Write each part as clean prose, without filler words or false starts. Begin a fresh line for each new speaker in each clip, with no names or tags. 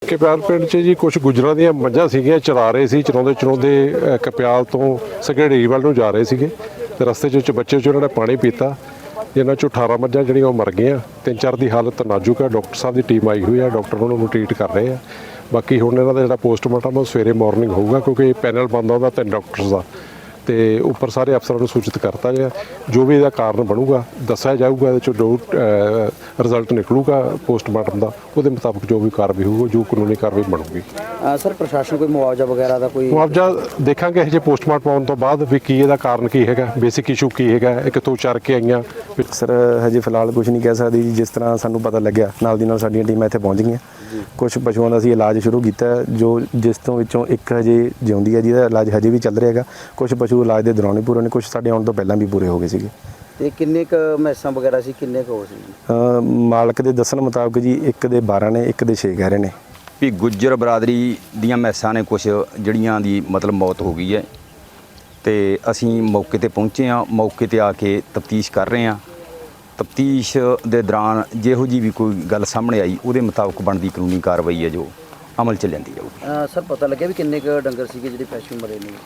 कप्याल पिंड 'ਚ जी कुछ गुजरां ਦੀਆਂ ਮੱਝਾਂ ਸੀਗੀਆਂ ਚਰਾ ਰਹੇ ਸੀ ਚਰਾਉਂਦੇ ਕਪਿਆਲ ਤੋਂ ਸਗੜੇੜੀ ਵੱਲ ਨੂੰ ਜਾ ਰਹੇ ਸੀਗੇ ਤੇ ਰਸਤੇ 'ਚ ਬੱਚੇ 'ਚ ਉਹਨਾਂ ਨੇ ਪਾਣੀ ਪੀਤਾ ਜਿਨ੍ਹਾਂ 'ਚੋਂ 18 ਮੱਝਾਂ ਜਿਹੜੀਆਂ ਉਹ ਮਰ ਗਈਆਂ 3-4 ਦੀ ਹਾਲਤ ਨਾਜ਼ੁਕ ਹੈ ਡਾਕਟਰ ਸਾਹਿਬ ਦੀ ਟੀਮ ਆਈ ਹੋਈ ਹੈ ਡਾਕਟਰ ਉਹਨਾਂ ਨੂੰ ਟ੍ਰੀਟ ਕਰ ਰਹੇ ਆ ਬਾਕੀ ਹੁਣ ਇਹਨਾਂ ਦਾ ਜਿਹੜਾ ਪੋਸਟਮਾਰਟਮ ਉਹ ਸਵੇਰੇ ਮਾਰਨਿੰਗ ਹੋਊਗਾ ਕਿਉਂਕਿ ਪੈਨਲ ਬਣਦਾ ਉਹਦਾ 3 ਡਾਕਟਰਸ ਦਾ ਤੇ ਉੱਪਰ ਸਾਰੇ ਅਫਸਰਾਂ ਨੂੰ ਸੂਚਿਤ ਕਰਤਾ ਗਿਆ ਜੋ ਵੀ ਇਹਦਾ ਕਾਰਨ ਬਣੂਗਾ ਦੱਸਿਆ ਜਾਊਗਾ ਇਹਦੇ 'ਚੋਂ ਜੋ ਰਿਜ਼ਲਟ ਨਿਕਲੂਗਾ ਪੋਸਟਮਾਰਟਮ ਦਾ ਉਹਦੇ ਮੁਤਾਬਕ ਜੋ ਵੀ ਕਾਰਵਾਈ ਹੋਊਗੀ ਜੋ ਕਾਨੂੰਨੀ ਕਾਰਵਾਈ ਬਣੂਗੀ।
ਸਰ ਪ੍ਰਸ਼ਾਸਨ ਕੋਈ ਮੁਆਵਜ਼ਾ ਵਗੈਰਾ ਦਾ ਕੋਈ
ਮੁਆਵਜ਼ਾ ਦੇਖਾਂਗੇ ਇਹ ਜੇ ਪੋਸਟਮਾਰਟਮ ਆਉਣ ਤੋਂ ਬਾਅਦ ਵੀ ਕੀ ਇਹਦਾ ਕਾਰਨ ਕੀ ਹੈਗਾ ਬੇਸਿਕ ਇਸ਼ੂ ਕੀ ਹੈਗਾ ਇਹ ਕਿੱਥੋਂ ਚਰ ਕੇ ਆਈਆਂ।
ਸਰ ਹਜੇ ਫਿਲਹਾਲ ਕੁਝ ਨਹੀਂ ਕਹਿ ਸਕਦੀ ਜੀ ਜਿਸ ਤਰ੍ਹਾਂ ਸਾਨੂੰ ਪਤਾ ਲੱਗਿਆ ਨਾਲ ਦੀ ਨਾਲ ਸਾਡੀਆਂ ਟੀਮਾਂ ਇੱਥੇ ਪਹੁੰਚ ਗਈਆਂ ਕੁਝ ਪਸ਼ੂਆਂ ਦਾ ਅਸੀਂ ਇਲਾਜ ਸ਼ੁਰੂ ਕੀਤਾ ਜੋ ਜਿਸ ਤੋਂ ਵਿੱਚੋਂ ਇੱਕ ਹਜੇ ਜਿਉਂਦੀ ਹੈ ਜਿਹਦਾ ਇਲਾਜ ਹਜੇ ਵੀ ਚੱਲ ਰਿਹਾ ਹੈਗਾ ਕੁਝ ਪਸ਼ੂ ਇਲਾਜ ਦੇ ਦੌਰਾਨ ਹੀ ਪੂਰੇ ਨੇ ਕੁਝ ਸਾਡੇ ਆਉਣ ਤੋਂ ਪਹਿਲਾਂ ਵੀ ਪੂਰੇ ਹੋ ਗਏ ਸੀਗੇ।
ਤੇ ਕਿੰਨੇ ਕ ਮੈਸਾਂ ਵਗੈਰਾ ਸੀ ਕਿੰਨੇ ਕ ਹੋ ਸੀ
ਮਾਲਕ ਦੇ ਦੱਸਣ ਮੁਤਾਬਕ ਜੀ ਇੱਕ ਦੇ 12 ਨੇ ਇੱਕ ਦੇ 6 ਕਹਿ ਰਹੇ ਨੇ
ਵੀ ਗੁੱਜਰ ਬਰਾਦਰੀ ਦੀਆਂ ਮੈਸਾਂ ਨੇ ਕੁਝ ਜਿਹੜੀਆਂ ਦੀ ਮਤਲਬ ਮੌਤ ਹੋ ਗਈ ਹੈ ਤੇ ਅਸੀਂ ਮੌਕੇ ਤੇ ਪਹੁੰਚੇ ਹਾਂ ਮੌਕੇ ਤੇ ਆ ਕੇ ਤਫਤੀਸ਼ ਕਰ ਰਹੇ ਹਾਂ ਤਫਤੀਸ਼ ਦੇ ਦੌਰਾਨ ਜਿਹੋ ਜੀ ਵੀ ਕੋਈ ਗੱਲ ਸਾਹਮਣੇ ਆਈ ਉਹਦੇ ਮੁਤਾਬਕ ਬਣਦੀ ਕਾਨੂੰਨੀ ਕਾਰਵਾਈ ਹੈ ਜੋ ਅਮਲ ਚ ਲੈਂਦੀ ਜਾਊਗੀ।
ਸਰ ਪਤਾ ਲੱਗਿਆ ਵੀ ਕਿੰਨੇ ਕ ਡੰਗਰ ਸੀਗੇ ਜਿਹੜੇ ਪਸ਼ੂ ਮਰੇ ਨੇ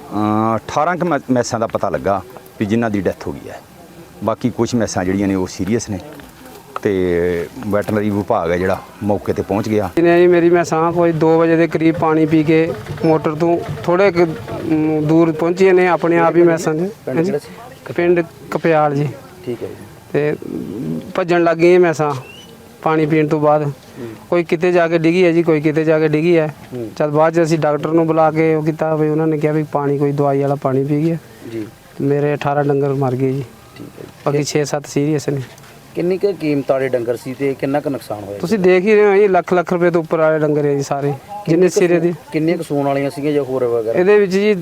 18 ਕੁ ਮੈਸਾਂ ਦਾ ਪਤਾ ਲੱਗਾ ਵੀ ਜਿਨ੍ਹਾਂ ਦੀ ਡੈਥ ਹੋ ਗਈ ਹੈ ਬਾਕੀ ਕੁਝ ਮੈਸਾਂ ਜਿਹੜੀਆਂ ਨੇ ਉਹ ਸੀਰੀਅਸ ਨੇ ਤੇ ਵੈਟਰਨਰੀ ਵਿਭਾਗ ਹੈ ਜਿਹੜਾ ਮੌਕੇ ਤੇ ਪਹੁੰਚ ਗਿਆ।
ਜੀ ਮੇਰੀ ਮੈਸਾਂ ਕੋਈ 2 ਵਜੇ ਦੇ ਕਰੀਬ ਪਾਣੀ ਪੀ ਕੇ ਮੋਟਰ ਤੋਂ ਥੋੜੇ ਦੂਰ ਪਹੁੰਚੀਆਂ ਨੇ ਆਪਣੇ ਆਪ ਹੀ ਮੈਸਾਂ ਦੇ ਪਿੰਡ ਕਪਿਆਲ ਜੀ
ਠੀਕ ਹੈ ਜੀ
ਤੇ ਭੱਜਣ ਲੱਗ ਗਈਆਂ ਮੈਸਾਂ ਪਾਣੀ ਪੀਣ ਤੋਂ ਬਾਅਦ ਕੋਈ ਕਿਤੇ ਜਾ ਕੇ ਡਿੱਗੀ ਹੈ ਜੀ ਕੋਈ ਕਿਤੇ ਜਾ ਕੇ ਡਿੱਗੀ ਹੈ ਜਦ ਬਾਅਦ 'ਚ ਅਸੀਂ ਡਾਕਟਰ ਨੂੰ ਬੁਲਾ ਕੇ ਉਹ ਕੀਤਾ ਵੀ ਉਹਨਾਂ ਨੇ ਕਿਹਾ ਵੀ ਪਾਣੀ ਕੋਈ ਦਵਾਈ ਵਾਲਾ ਪਾਣੀ ਪੀ ਗਿਆ
ਜੀ
ਮੇਰੇ 18 ਡੰਗਰ ਮਰ ਗਏ ਜੀ
ਠੀਕ ਹੈ
ਬਾਕੀ 6-7 ਸੀਰੀਅਸ ਨੇ।
ਕਿੰਨੀ ਕ ਕੀਮਤ ਵਾਲੇ ਡੰਗਰ ਸੀ ਤੇ ਕਿੰਨਾ ਕ ਨੁਕਸਾਨ ਹੋਇਆ
ਤੁਸੀਂ ਦੇਖ ਹੀ ਰਹੇ ਹੋ ਜੀ ਲੱਖ ਰੁਪਏ ਤੋਂ ਉੱਪਰ ਵਾਲੇ ਡੰਗਰ ਹੈ ਜੀ ਸਾਰੇ ਜਿੰਨੇ ਸਿਰੇ ਦੇ
ਕਿੰਨੇ ਕ ਸੂਣ ਵਾਲੀਆਂ ਸੀਗੀਆਂ ਜਾਂ ਹੋਰ ਵਗੈਰਾ
ਇਹਦੇ ਵਿੱਚ ਜੀ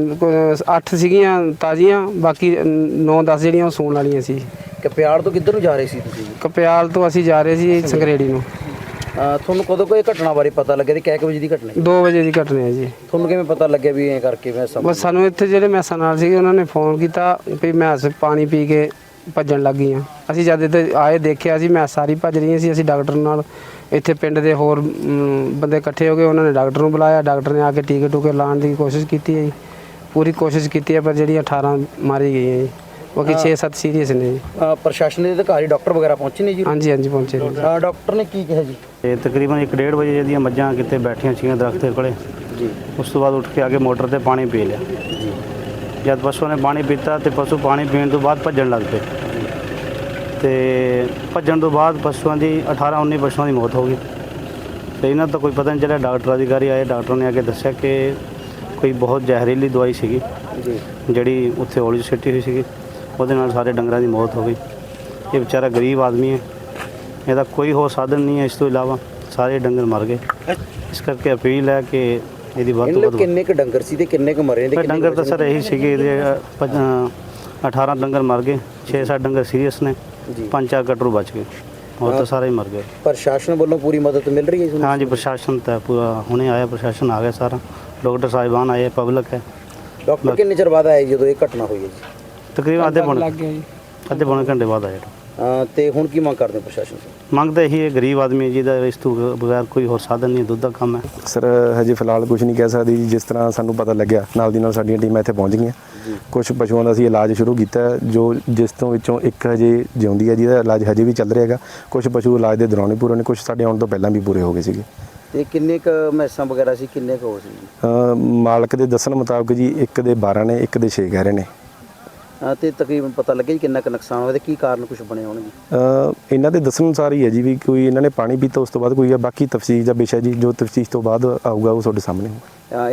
8 ਸੀਗੀਆਂ ਤਾਜ਼ੀਆਂ ਬਾਕੀ 9-10 ਜਿਹੜੀਆਂ ਉਹ ਸੂਣ ਵਾਲੀਆਂ ਸੀ।
ਕਪਿਆਲ ਤੋਂ ਕਿੱਧਰ ਨੂੰ ਜਾ ਰਹੇ ਸੀ ਤੁਸੀਂ
ਕਪਿਆਲ ਤੋਂ ਅਸੀਂ ਜਾ ਰਹੇ ਸੀ ਸੰਗਰੇੜੀ ਨੂੰ।
ਤੁਹਾਨੂੰ ਕਦੋਂ ਕੋਈ ਘਟਨਾ ਬਾਰੇ ਪਤਾ ਲੱਗਿਆ ਤੇ ਕਿੰਨੇ ਵਜੇ ਦੀ ਘਟਨਾ
2 ਵਜੇ ਦੀ ਘਟਨਾ ਹੈ ਜੀ।
ਤੁਹਾਨੂੰ ਕਿਵੇਂ ਪਤਾ ਲੱਗਿਆ ਵੀ ਐਂ ਕਰਕੇ ਮੈਂ
ਬਸ ਸਾਨੂੰ ਇੱਥੇ ਜਿਹੜੇ ਮੈਸਾਂ ਨਾਲ ਸੀਗੇ ਉਹਨਾਂ ਨੇ ਫੋਨ ਕੀਤਾ ਵੀ ਮੈਸ ਪਾਣੀ ਪੀ ਕੇ ਭੱਜਣ ਲੱਗ ਗਈਆਂ ਅਸੀਂ ਜਦ ਇੱਥੇ ਆਏ ਦੇਖਿਆ ਸੀ ਮੈਸ ਸਾਰੀ ਭੱਜ ਰਹੀਆਂ ਸੀ ਅਸੀਂ ਡਾਕਟਰ ਨਾਲ ਇੱਥੇ ਪਿੰਡ ਦੇ ਹੋਰ ਬੰਦੇ ਇਕੱਠੇ ਹੋ ਗਏ ਉਹਨਾਂ ਨੇ ਡਾਕਟਰ ਨੂੰ ਬੁਲਾਇਆ ਡਾਕਟਰ ਨੇ ਆ ਕੇ ਟੀਕੇ ਟੂਕੇ ਲਾਉਣ ਦੀ ਕੋਸ਼ਿਸ਼ ਕੀਤੀ ਹੈ ਜੀ ਪੂਰੀ ਕੋਸ਼ਿਸ਼ ਕੀਤੀ ਹੈ ਪਰ ਜਿਹੜੀਆਂ 18 ਮਾਰੀ ਗਈਆਂ ਜੀ ਬਾਕੀ 6-7 ਸੀਰੀਅਸ ਨੇ ਜੀ।
ਪ੍ਰਸ਼ਾਸਨ ਦੇ ਅਧਿਕਾਰੀ ਡਾਕਟਰ ਵਗੈਰਾ ਪਹੁੰਚੇ ਨੇ ਜੀ?
ਹਾਂਜੀ ਪਹੁੰਚੇ ਨੇ।
ਡਾਕਟਰ ਨੇ ਕੀ ਕਿਹਾ ਜੀ?
ਤੇ ਤਕਰੀਬਨ 1-1:30 ਵਜੇ ਦੀਆਂ ਮੱਝਾਂ ਕਿਤੇ ਬੈਠੀਆਂ ਸੀਗੀਆਂ ਦਰਖਤ ਦੇ ਕੋਲੇ
ਜੀ
ਉਸ ਤੋਂ ਬਾਅਦ ਉੱਠ ਕੇ ਆ ਕੇ ਮੋਟਰ ਤੇ ਪਾਣੀ ਪੀ ਲਿਆ
ਜੀ
ਜਦ ਪਸ਼ੂ ਨੇ ਪਾਣੀ ਪੀਤਾ ਤੇ ਪਸ਼ੂ ਪਾਣੀ ਪੀਣ ਤੋਂ ਬਾਅਦ ਭੱਜਣ ਲੱਗ ਪਏ ਤੇ ਭੱਜਣ ਤੋਂ ਬਾਅਦ ਪਸ਼ੂਆਂ ਦੀ 18-19 ਪਸ਼ੂਆਂ ਦੀ ਮੌਤ ਹੋ ਗਈ ਤੇ ਇਹਨਾਂ ਤੋਂ ਕੋਈ ਪਤਾ ਨਹੀਂ ਚੱਲਿਆ ਡਾਕਟਰ ਅਧਿਕਾਰੀ ਆਏ ਡਾਕਟਰ ਨੇ ਆ ਕੇ ਦੱਸਿਆ ਕਿ ਕੋਈ ਬਹੁਤ ਜ਼ਹਿਰੀਲੀ ਦਵਾਈ ਸੀਗੀ
ਜੀ
ਜਿਹੜੀ ਉੱਥੇ ਔਲੀ ਸਿੱਟੀ ਹੋਈ ਸੀਗੀ ਉਹਦੇ ਨਾਲ ਸਾਰੇ ਡੰਗਰਾਂ ਦੀ ਮੌਤ ਹੋ ਗਈ। ਇਹ ਵਿਚਾਰਾ ਗਰੀਬ ਆਦਮੀ ਹੈ ਇਹਦਾ ਕੋਈ ਹੋਰ ਸਾਧਨ ਨਹੀਂ ਹੈ ਇਸ ਤੋਂ ਇਲਾਵਾ ਸਾਰੇ ਡੰਗਰ ਮਰ ਗਏ ਇਸ ਕਰਕੇ ਅਪੀਲ ਹੈ ਕਿ ਇਹਦੀ ਵੱਧ ਤੋਂ ਵੱਧ
ਕਿੰਨੇ ਕ ਡੰਗਰ ਸੀ ਤੇ ਕਿੰਨੇ ਕ ਮਰੇ ਨੇ?
ਡੰਗਰ ਤਾਂ ਸਰ ਇਹੀ ਸੀਗੇ ਇਹਦੇ 18 ਡੰਗਰ ਮਰ ਗਏ 6-7 ਡੰਗਰ ਸੀਰੀਅਸ ਨੇ 5-4 ਕਟਰੂ ਬਚ ਗਏ ਹੋਰ ਤਾਂ ਸਾਰੇ ਹੀ ਮਰ ਗਏ।
ਪ੍ਰਸ਼ਾਸਨ ਵੱਲੋਂ ਪੂਰੀ ਮਦਦ ਮਿਲ ਰਹੀ ਹੈ?
ਹਾਂਜੀ ਪ੍ਰਸ਼ਾਸਨ ਤਾਂ ਪੂਰਾ ਹੁਣੇ ਆਇਆ ਪ੍ਰਸ਼ਾਸਨ ਆ ਗਿਆ ਸਾਰਾ ਡਾਕਟਰ ਸਾਹਿਬਾਨ ਆਏ ਪਬਲਿਕ ਹੈ।
ਡਾਕਟਰ ਕਿੰਨੇ ਚਿਰ ਬਾਅਦ ਆਏ ਜਦੋਂ ਇਹ ਘਟਨਾ ਹੋਈ ਹੈ ਜੀ?
ਤਕਰੀਬਨ ਅੱਧੇ ਪੌਣੇ ਘੰਟੇ ਬਾਅਦ ਆਏ।
ਤੇ ਹੁਣ ਕੀ ਮੰਗ ਕਰਦੇ ਪ੍ਰਸ਼ਾਸਨ ਤੋਂ?
ਮੰਗ ਤਾਂ ਇਹੀ ਹੈ ਗਰੀਬ ਆਦਮੀ ਜਿਹਦਾ ਇਸ ਤੋਂ ਬਗੈਰ ਕੋਈ ਹੋਰ ਸਾਧਨ ਨਹੀਂ ਦੁੱਧ ਦਾ ਕੰਮ ਹੈ।
ਸਰ ਹਜੇ ਫਿਲਹਾਲ ਕੁਝ ਨਹੀਂ ਕਹਿ ਸਕਦੀ ਜੀ ਜਿਸ ਤਰ੍ਹਾਂ ਸਾਨੂੰ ਪਤਾ ਲੱਗਿਆ ਨਾਲ ਦੀ ਨਾਲ ਸਾਡੀਆਂ ਟੀਮਾਂ ਇੱਥੇ ਪਹੁੰਚ ਗਈਆਂ ਕੁਝ ਪਸ਼ੂਆਂ ਦਾ ਅਸੀਂ ਇਲਾਜ ਸ਼ੁਰੂ ਕੀਤਾ ਜੋ ਜਿਸ ਤੋਂ ਵਿੱਚੋਂ ਇੱਕ ਹਜੇ ਜਿਉਂਦੀ ਹੈ ਜਿਹਦਾ ਇਲਾਜ ਹਜੇ ਵੀ ਚੱਲ ਰਿਹਾ ਹੈਗਾ ਕੁਝ ਪਸ਼ੂ ਇਲਾਜ ਦੇ ਦੌਰਾਨ ਹੀ ਪੂਰੇ ਨੇ ਕੁਝ ਸਾਡੇ ਆਉਣ ਤੋਂ ਪਹਿਲਾਂ ਵੀ ਪੂਰੇ ਹੋ ਗਏ ਸੀਗੇ।
ਤੇ ਕਿੰਨੇ ਕ ਮੈਸਾਂ ਵਗੈਰਾ ਸੀ ਕਿੰਨੇ ਕ ਹੋ ਸੀ?
ਮਾਲਕ ਦੇ ਦੱਸਣ ਮੁਤਾਬਕ ਜੀ ਇੱਕ ਦੇ 12 ਨੇ ਇੱਕ ਦੇ 6 ਕਹਿ ਰਹੇ ਨੇ।
ਤੇ ਤਕਰੀਬਨ ਪਤਾ ਲੱਗਿਆ ਜੀ ਕਿੰਨਾ ਕ ਨੁਕਸਾਨ ਹੋਇਆ ਤੇ ਕੀ ਕਾਰਨ ਕੁਝ ਬਣੇ ਹੋਣਗੇ?
ਇਹਨਾਂ ਦੇ ਦੱਸਣ ਅਨੁਸਾਰ ਹੀ ਹੈ ਜੀ ਵੀ ਕੋਈ ਇਹਨਾਂ ਨੇ ਪਾਣੀ ਪੀਤਾ ਉਸ ਤੋਂ ਬਾਅਦ ਕੋਈ ਆ ਬਾਕੀ ਤਫਸੀਰ ਦਾ ਵਿਸ਼ਾ ਜੀ ਜੋ ਤਫਸੀਰ ਤੋਂ ਬਾਅਦ ਆਊਗਾ ਉਹ ਤੁਹਾਡੇ ਸਾਹਮਣੇ ਹੋਊਗਾ।